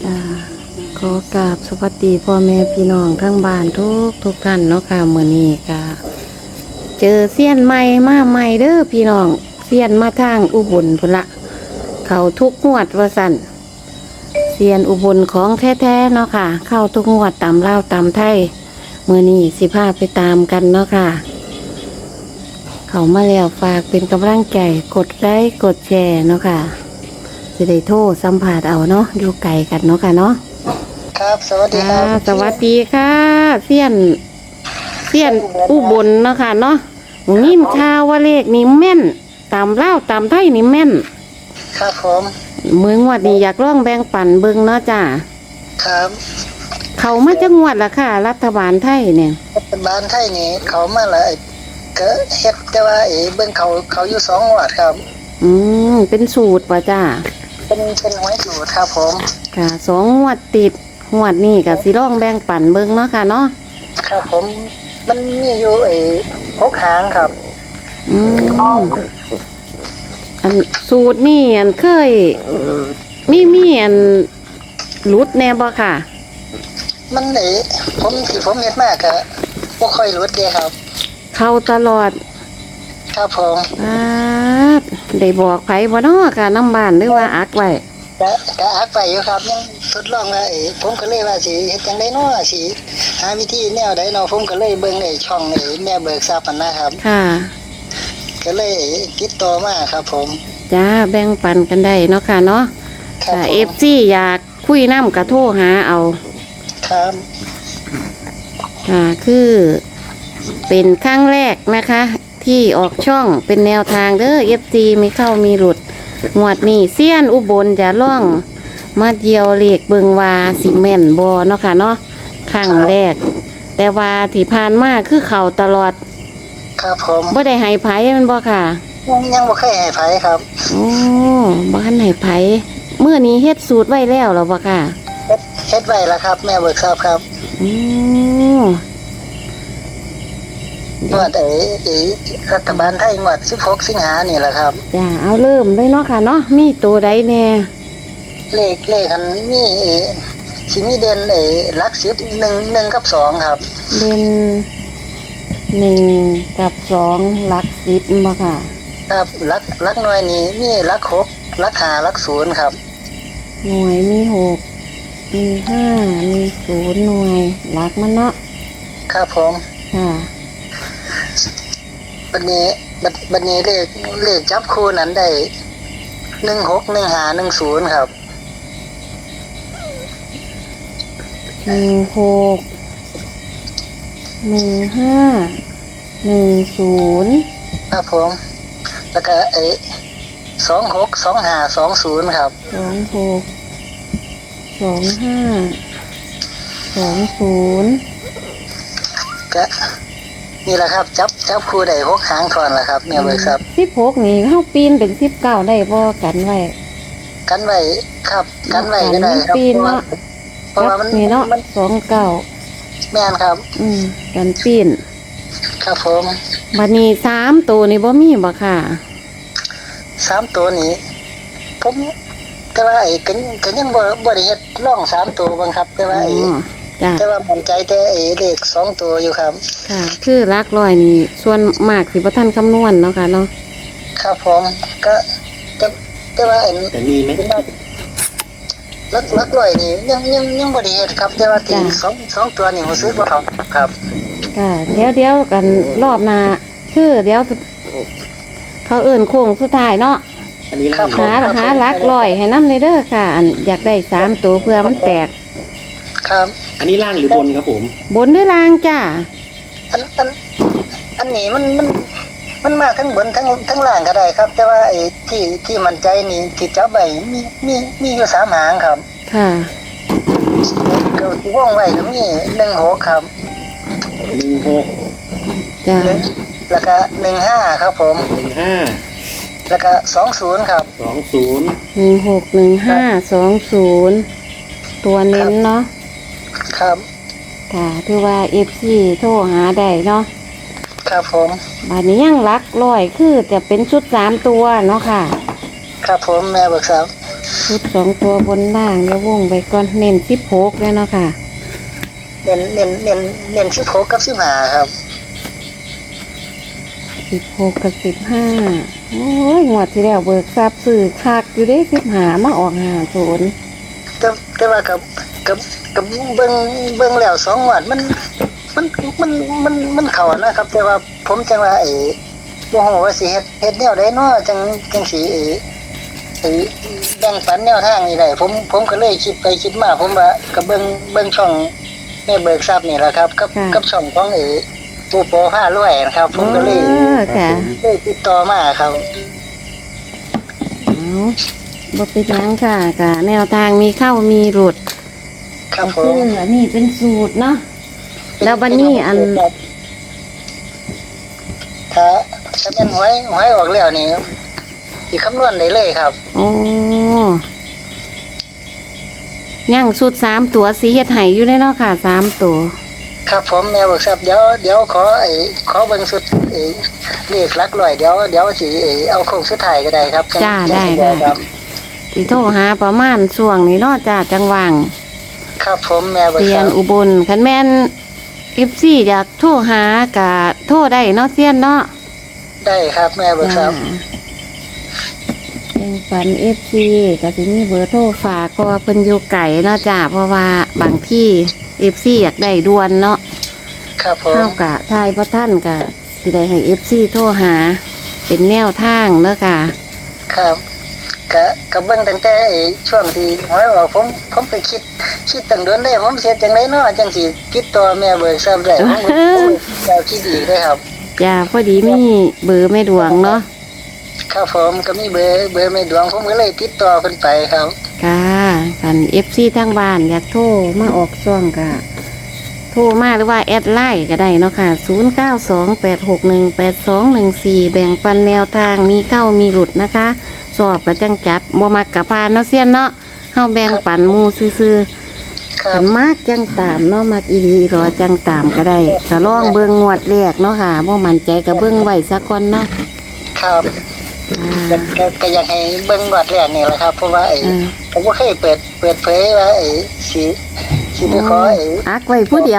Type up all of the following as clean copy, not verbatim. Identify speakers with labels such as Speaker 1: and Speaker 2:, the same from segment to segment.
Speaker 1: อ่าขอกราบสวัสดีพ่อแม่พี่น้องทั้งบ้านทุกท่านเนาะค่ะมื้อนี้ก็เจอเซียนใหม่มาใหม่เด้อพี่น้องเซียนมาทางอุบลพุ่นละเข้าทุกงวดว่าสั่นเซียนอุบลของแท้ๆเนาะค่ะเข้าทุกงวดตามลาวตามไทยมื้อนี้สิพาไปตามกันเนาะค่ะเข้ามาแล้วฝากเป็นกำลังใจกดไลค์กดแชร์เนาะค่ะจะได้โทรสัมผัสเอาเนาะอยู่ไกลกันเนาะค่ะเนาะ
Speaker 2: ครับสวัสดีค
Speaker 1: ค่ะ
Speaker 2: รับ
Speaker 1: สวัสดีค่ะเสี้ยนอุบลเนาะค่ะเนาะหมูนิ่มข่าวว่าเลขนี่แม่นตามเล่าวตามไทยนี่แม่น
Speaker 2: ครับผม
Speaker 1: มืองวดนี้อยากร่องแบ่งปันเบิ่งเนาะจ้า
Speaker 2: ครับ
Speaker 1: เขามาจะงวดละค่ะ รัฐบาลไทยเนี่ย
Speaker 2: รัฐบาลไทยนี่เขามาละก็เฮ็ดแต่ว่าเบิ่งเขาอยู่2งวดครับ
Speaker 1: เป็นสูตรป่ะจ้า
Speaker 2: เป็นหวยสูตรครับผม
Speaker 1: ค่ะ2 งวดติดงวดนี้ก็สิร่องแบ่งปันเบิ่งเนาะค่ะเนาะ
Speaker 2: ครับผมมันมีอยู่6หางครับ
Speaker 1: อันสูตรนี่อันเคยมีอันหลุดแน่บ่ค่ะ
Speaker 2: มันผมเฮ็ดมากก็บ่ค่อยรู้เด้ครับ
Speaker 1: เข้าตลอด
Speaker 2: ครับผม
Speaker 1: ได้บอกไผบ่เนาะค่ะน้ำบ้านหรือว่าอักไว้
Speaker 2: ก็อักไปอยู่ครับยังทดลองว่าผมก็เลยว่าสิเฮ็ดจังได๋เนาะสิหาวิธีแนวใดเนาะผมก็เลยเบิ่งช่องแม่เบิกทรัพย์นั่นนะครับ
Speaker 1: ค่ะ
Speaker 2: ก็เลยติดต่อมาครับผม
Speaker 1: จ้าแบ่งปันกันได้เนาะค่ะเนาะ
Speaker 2: ครับ
Speaker 1: ถ้า
Speaker 2: ผม
Speaker 1: FC อยากคุยน้ำกระโทรหาเอา
Speaker 2: ครับ
Speaker 1: ค่ะคือเป็นครั้งแรกนะคะ ที่ออกช่องเป็นแนวทางเด้อ FC มีเข้ามีหลุดงวดนี้เซียนอุบลจะล่องมาเดียวเลขเบิงวาสิแม่นบ่เนาะค่ะเนาะครั้งแรก แต่ว่าที่ผ่านมาคือเขาตลอด
Speaker 2: ครับผม
Speaker 1: บ่ได้ให้ไผมันบ่ค่ะ
Speaker 2: ยังบ่เคยให้ไผครับ
Speaker 1: โอ้บ่ทันให้ไผมื้อนี้เฮ็ดสูตรไว้แล้วเหรอบ่ค่ะ
Speaker 2: เฮ็ดไว้แล้วครับ แม่เบิกทรัพย์ครับ
Speaker 1: อือ
Speaker 2: งวดรัฐบาลไทยงวด16สิงหานี่แหละครับ
Speaker 1: จ้าเอาเริ่มเลยเนาะค่ะเนาะมีตัวใดแน่
Speaker 2: เลขอันมีสิมีเด่นหลัก10 1กับ2ครับ
Speaker 1: เด่น1กับ2หลัก10บ่ค่ะ
Speaker 2: ครับหลักหน่วยนี่มีหลัก6หลัก5หลัก0ครับ
Speaker 1: หน่วยมี6มี5มี0หน่วยหลักมันเนาะ
Speaker 2: ครับผม
Speaker 1: ค่ะ
Speaker 2: บัดนี้เลขจับคู่นั้นได้16 15 10ครับ
Speaker 1: 16 15 10
Speaker 2: ครับผม แล้วก็26 25 20ครับ
Speaker 1: 26 25 20
Speaker 2: ก็นี่แหละครับจับคู่ได้6หางทอนแล้วครับแม่เบิกทรัพย์
Speaker 1: 16นี่เฮาปีนเป็น19ได้บ่กันไว้
Speaker 2: กันไว้ครับกันไว้ก็ได้ครับ
Speaker 1: ปีนเนาะ
Speaker 2: เพราะว่ามัน
Speaker 1: นี่เนาะ
Speaker 2: มัน
Speaker 1: 29
Speaker 2: แม่นครับ
Speaker 1: กันปีน
Speaker 2: ครับผม
Speaker 1: บัดนี้3ตัวนี่บ่มีบ่ค่ะ
Speaker 2: 3ตัวนี้ผมแต่ว่าก็ยังบ่ได้เฮ็ดลอง3ตัวบังครับ แต่ว่า
Speaker 1: จ้ะ
Speaker 2: แต่ว่ามั่นใจแต่เลข2ตัวอยู่ครับ
Speaker 1: ค่ะ คือหลักร้อยนี่ส่วนมากสิบ่ทันคำนวณเนาะค่ะเนาะ
Speaker 2: ครับผมก็แต่ว่า
Speaker 3: แต่มีไหม
Speaker 2: ลักร้อยนี่ยังบ่ได้เฮ็ดครับ แต่ว่าที่สองตัวนี่รู้สึกว่าเขาครับ
Speaker 1: ค่ะเดี๋ยวกันรอบหน้าคือเดี๋ยวเขาเอิ้นโค้งสุดท้ายเนาะ
Speaker 3: อันนี้
Speaker 2: ครับ
Speaker 1: หาหลักร้อยให้นำเลยเด้อค่ะอันอยากได้3ตัวเพื่อมันแตก
Speaker 2: ครับ
Speaker 3: อันนี้ล่างหรือบนครับผม
Speaker 1: บนหรือล่างจ้า
Speaker 2: อันนี้มันมาทั้งบนทั้งล่างก็ได้ครับ แต่ว่าที่มั่นใจนี่ที่จับไว้มีอยู่3หางครับ
Speaker 1: ค่ะ
Speaker 2: ก็ที่วงไว้ก็มี16ครับ
Speaker 3: 16
Speaker 1: จ้า
Speaker 2: แล้วก็15ครับผม
Speaker 3: 15
Speaker 2: แล้วก็20ครับ
Speaker 3: 20
Speaker 1: 161520ตัวเน้นเนาะ
Speaker 2: ครับ
Speaker 1: ค่ะถือว่า FC โทรหาได้เนาะ
Speaker 2: ครับผม
Speaker 1: บัดนี้ยังหลักร้อยคือจะเป็นชุด3ตัวเนาะค่ะ
Speaker 2: ครับผมแม่เบิกทรัพย์
Speaker 1: ชุด2 ตัวบนล่างแล้ววงไปก่อนเน้น16เลยเนาะค่ะ
Speaker 2: เน้น16กับ15ครับ
Speaker 1: 16กับ15โอ้ยงวดที่แล้วเบิกทรัพย์ซื้อคักอยู่เด้15มาออก50
Speaker 2: แต่ว่ากับเบิ่งแล้ว2งวดมันเข้านะครับ แต่ว่าผมจังว่าบ่ฮู้ว่าสิเฮ็ดแนวใดเนาะจังสิแบ่งปันแนวทางนี่ได้ผมก็เลยคิดไปคิดมาผมว่าก็เบิ่งช่องแม่เบิกทรัพย์นี่แหละครับกับช่องของปูโป500นะครับผมก็เลย
Speaker 1: ค่ะ
Speaker 2: เลยติดต่อมาครับ
Speaker 1: เอาบ่เป็นหยังค่ะกะแนวทางมีเข้ามีหลุด
Speaker 2: ครับผ
Speaker 1: คื
Speaker 2: ม
Speaker 1: ออันนี้เป็นสูตรเนาะ แล้วบัดนี้อัน
Speaker 2: ถ้าเป็นหวยออกแล้วนี่สิคำนวณได้เลยครับ
Speaker 1: โอ้ยังสูตร3 ตัวสีเฮ็ดให้อยู่ได้เนาะค่ะ3 ตัว
Speaker 2: ครับผมแม่บอกครับเดี๋ยวขอเบิ่งสุดเลขหลักร้อยเดี๋ยวสิเอาโค้งสุดท้ายก็ได้ครับ
Speaker 1: จ้าได้
Speaker 2: ครับ
Speaker 1: สิโทรหาประมาณช่วงนี้เนาะจ้าจังหวัง
Speaker 2: ครับผมแม่บอก
Speaker 1: เซีย
Speaker 2: ครั
Speaker 1: น
Speaker 2: บ
Speaker 1: อุบลคันแม่น FC อยากโทรหากะโทรได้เนาะเซียนเนาะ
Speaker 2: ได้ครับแม่บอกครับ
Speaker 1: แจ้งฝัน FC ก็สิมีเบอร์โทรฝากเพราะว่าเพิ่นอยู่ไกลเนาะจ้าเพราะว่าบางที่ FC อยากได้ด่วนเนาะ
Speaker 2: ครับผม
Speaker 1: เท่ากับทายพระท่านกะสิได้ให้ FC โทรหา เป็นแนวทางเนาะค่ะ
Speaker 2: ครับก็เบิ่งตั้งแต่ช่วงที่หวยออกผมไปคิดตั้งโดนได้ผมเสียจังไดเนาะจังสิติดต่อแม่เบิกทรัพย์ได้ผมก็คิดอีกได้ครับ
Speaker 1: จ้าพอดีมีเบอร์แม่ดวงเนาะ
Speaker 2: ครับผมก็มีเบอร์แม่ดวงผมก็เลยติดต่อเพิ่นไปครับ
Speaker 1: ค่ะกัน FC ทางบ้านอยากโทรมาออกซ่องกะโทรมาหรือว่าแอดไลน์ก็ได้เนาะค่ะ0928618214แบ่งปันแนวทางมีเข้ามีหลุดนะคะสอบกระจังจัดบ่มักกะพานเนาะเซียนเนาะเฮาแบ่งปันหมู่ซื่อๆ
Speaker 2: ครั
Speaker 1: ขั
Speaker 2: บ
Speaker 1: นมากจังตามเนาะมากอีหลีรอจังตามก็ได้ก็ลองเบิ่งงวดแรกเนาะค่ะบ่มั่นใจก็เบิ่งไว้สักก่อนเนาะ
Speaker 2: ครับ
Speaker 1: อ่า
Speaker 2: ก็อยากให้เบิ่งงวดแรกนี่แหละครับเพราะว่าผมบ่เคยเปิดเผยว่าสิไปขอ
Speaker 1: อักไว้ผู้เดียว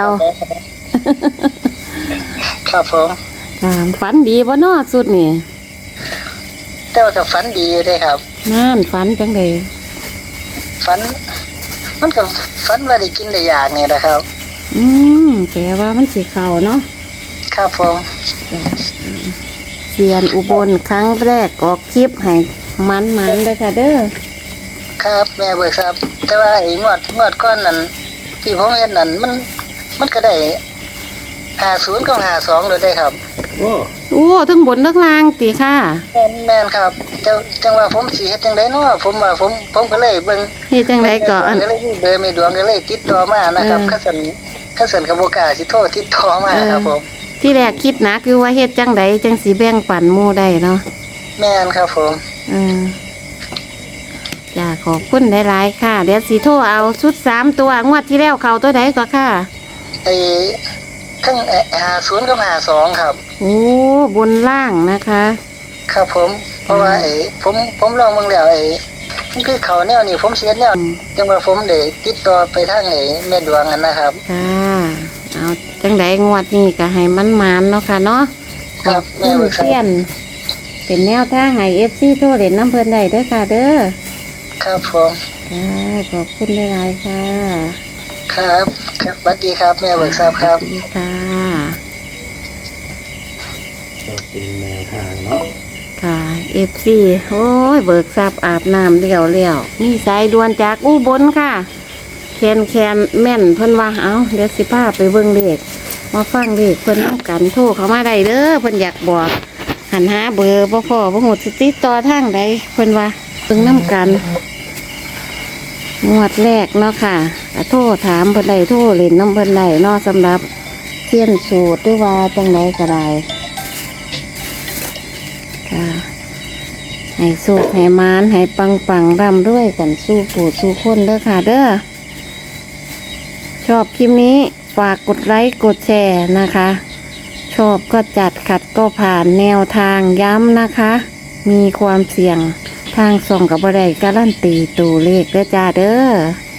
Speaker 2: ครับผม
Speaker 1: ฝันดีบ่เนาะสุดนี่
Speaker 2: แต่ว่าก็ฝันดีอยู่เด้ครับ
Speaker 1: นั่นฝันจังได๋
Speaker 2: ฝันมันก็ฝันว่าได้กินได้อยากนี่นะครับ
Speaker 1: แปลว่ามันสิเข้าเนาะ
Speaker 2: ครับผม
Speaker 1: เซียนอุบลครั้งแรกออกคลิปให้มันๆเลยค่ะเด้อ
Speaker 2: ครับแม่เบิกครับแต่ว่างวดก้อนนั้นที่ผมเห็นนั้นมันก็ได้50กับ52เลยได้ครับ
Speaker 3: โอ้
Speaker 1: โอ้ทั้งบนทั้งล่างติค่ะ
Speaker 2: แม่นครับจังว่าผมสิเฮ็ดจังไดเนาะผมว่าผมก็เลยเบิ่ง
Speaker 1: เฮ็ดจังไดก็อัน
Speaker 2: ก็เลยมีเบอร์แม่ดวงก็เลยติดต่อมานะครับคันสันก็บ่กล้าสิโทรติดต่อมาครับผม
Speaker 1: ที่แรกคิดหนักอยู่ว่าเฮ็ดจังไดจังสิแบ่งปันหมู่ได้เนาะ
Speaker 2: แม่นครับผม
Speaker 1: จ้าขอบคุณหลายๆค่ะ เดี๋ยวสีโทรเอาชุด3 ตัวงวดที่แล้วเขาตัวใดก็ค่ะ
Speaker 2: ทั้ง50กับ52ครับ
Speaker 1: โอ้บนล่างนะคะ
Speaker 2: ครับผม เพราะว่าผมลองเบิ่งแล้วมันคือเขาแนวนี้ผมเสียแนวจังว่าผมได้ติดต่อไปทางแม่ดวงนั่นนะครับ
Speaker 1: ค่ะเอาจังไดงวดนี้ก็ให้มันมานเนาะค่ะเนาะ
Speaker 2: ครับ
Speaker 1: ขอบคุณเซียน เป็นแนวทางให้ FC โทรเล่นน้ำเพิ่นได้เด้อค่ะเด้อ
Speaker 2: ครับผม
Speaker 1: ค่ะขอบคุณหลายๆค่ะ
Speaker 2: ครับครับสวัสดีครับแม่เบิกทราบครับ
Speaker 1: สวัสดีค่ะ
Speaker 3: ก็เป็นแนวทางเนาะ
Speaker 1: ค่ะ FC โอ้ยเบิกทรัพย์อาบน้ำเลี้ยวมีสายด่วนจากอุบลค่ะ แคนแม่นเพิ่นว่าเอาเดี๋ยวสิพาไปเบิ่งเลขมาฟังเลขเพิ่นนำกันโทรเข้ามาได้เด้อเพิ่นอยากบอกหันหาเบอร์บ่พอบ่ฮู้สิติดต่อทางใดเพิ่นว่าเบิ่งนำกันงวดแรกเนาะค่ะก็โทรถามเพิ่นได้โทรเล่นน้ำเพิ่นได้เนาะสำหรับเทียนสูตรหรือว่าจังไดก็ได้ค่ะให้สุขให้มานให้ปังร่ำรวยกันสู้ผู้สู้คนเด้อค่ะเด้อ ชอบคลิปนี้ฝากกดไลค์กดแชร์นะคะ ชอบก็จัดขัดก็ผ่านแนวทางย้ำนะคะ มีความเสี่ยงทางส่องกับบ่ได้การันตีตัวเลขเด้อจ้าเด้อ